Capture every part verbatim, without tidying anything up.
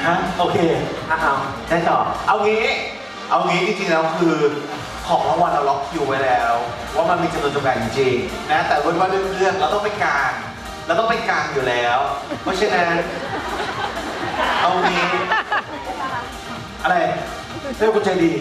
ฮะโอเคอ่ะเอาได้ต่อเอางี้เอางี้จริงๆแล้วคือของรางวัลเราล็อกคิวไว้แล้วว่ามันมีจำนวนจำกัดจริงๆนะแต่ว่าเรื่องเราต้องไปกลางเราต้องไปกลางอยู่แล้วเพราะฉะนั้นเอางี้อะไรเรื่องคุณใจดี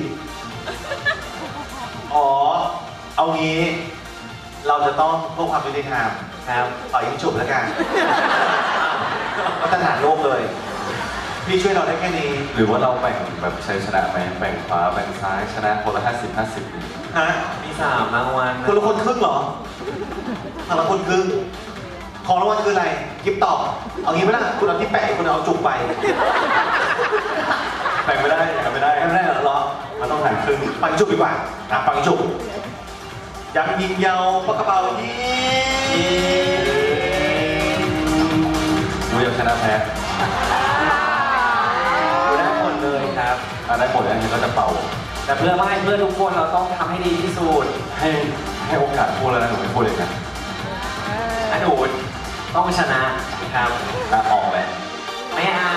อ๋อเอางี้เราจะต้องเพื่อความยุติธรรมนะครับต่อยิงฉุบแล้วกันมาตรฐานโลกเลยพี่ช่วยเราได้แค่นี้หรือว่าเราแบ่งแบบใช้ชนะไหมแบ่งขวาแบ่งซ้ายชนะคนละห้าสิบห้าสิบฮะมีสามรางวัลคนละคนครึ่งเหรอคนละคนครึ่งของรางวัลคืออะไรกิฟต์ตอบเอางี้ไหมล่ะคุณเอาที่แปะคุณเอาจุกไปแบ่งไม่ได้แบ่งไม่ได้ไม่ได้เหรอมันต้องหันครึ่งปังจุกดีกว่าอ่ะปังจุกยังยิงเยาวปากกระเป๋ายิงดูยังชนะแพ้ดูได้ผลเลยครับได้ผลอันนี้ก็จะเป่าแต่เพื่อไม่เพื่อทุกคนเราต้องทำให้ดีที่สุดให้ให้โอกาสพูดแล้วนะหนูไม่พูดเลยนะอันหนูต้องชนะครับอ่ะออกเลยไม่เอา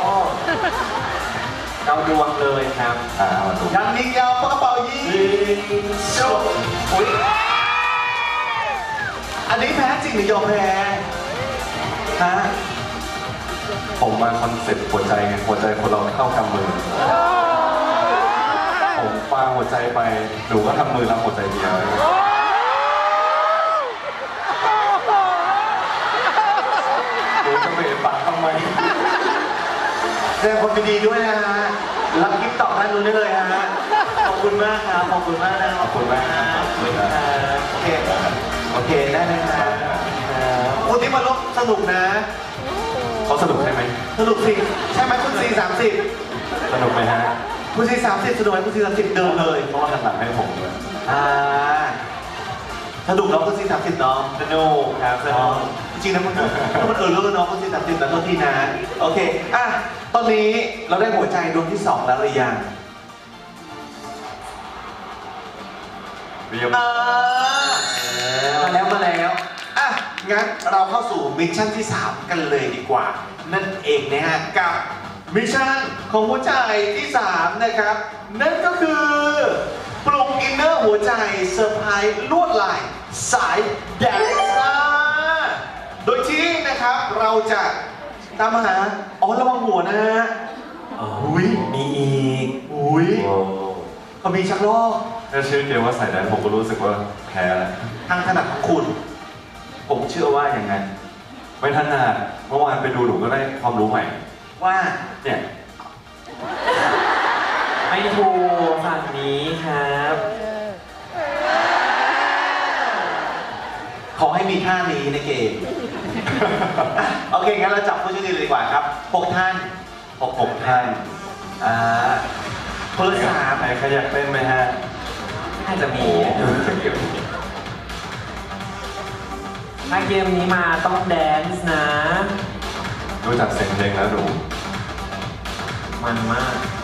เราดวงเลยครับอ่ามาดูยังยิงยาวปากกระเป๋ายิงชุบอุ้ยอันนี้แพ้จริงหรือยอมแพ้ฮะผมมาคอนเซ็ปต์หัวใจไงหัวใจคนเราเข้ากำมือผมปาหัวใจไปหนูก็ทำมือรับหัวใจเดียวหนูจะเบะปากทำไมแสดงความยินดีด้วยนะฮะรับกิฟต์ตอบด้านนู้นได้เลยฮะขอบคุณมากครับขอบคุณมากนะขอบคุณมากครับโอเคโอเคได้เลยครับวันนี้มาลบสนุกนะเขาสนุกใช่ไหมสนุกสิใช่ไหมคุณซีสามสิบสนุกไหมฮะคุณซีสามสิบสนุกไหมคุณซีสามสิบเดิมเลยเพราะว่าหันหลังให้ผมเลยอ่าสนุกเนาะคุณซีสามสิบเนาะสนุกครับสนุกจริงๆนะมันมันเออเรื่องเนาะคุณซีสามสิบแต่โทษทีนะโอเคอ่ะตอนนี้เราได้หัวใจดวงที่สองแล้วหรือยังเรียบมาแล้วมาแล้วอ่ะงั้นเราเข้าสู่มิชชั่นที่สามกันเลยดีกว่านั่นเองนะฮะกับมิชชั่นของหัวใจที่สามนะครับนั่นก็คือปลุกอินเนอร์หัวใจเซอร์ไพรส์ลวดลายสายแดนซ์โดยที่นะครับเราจะตามหาอ๋อระวังหัวนะฮะอุ้ยมีอีกอุ้ยเขามีชักลอกแค่ชื่อเดียวว่าใส่ได้ผมก็รู้สึกว่าแพ้แล้วทางถนัดของคุณผมเชื่อว่าอย่างนั้นไม่ถนัดเมื่อวานไปดูหนูก็ได้ความรู้ใหม่ว่าเนี่ยไม่ถูกฝั่งนี้ครับขอให้มีท่านี้ในเกมโอเคงั้นเราจับผู้โชคดีเลยดีกว่าครับหกท่านหกหกท่านอ่าคนละสามใครใครอยากเต้นไหมฮะน่าจะมีถ้าเกมนี้มาต้องแดนซ์นะดูจากเสียงเพลงแล้วดูมันมาก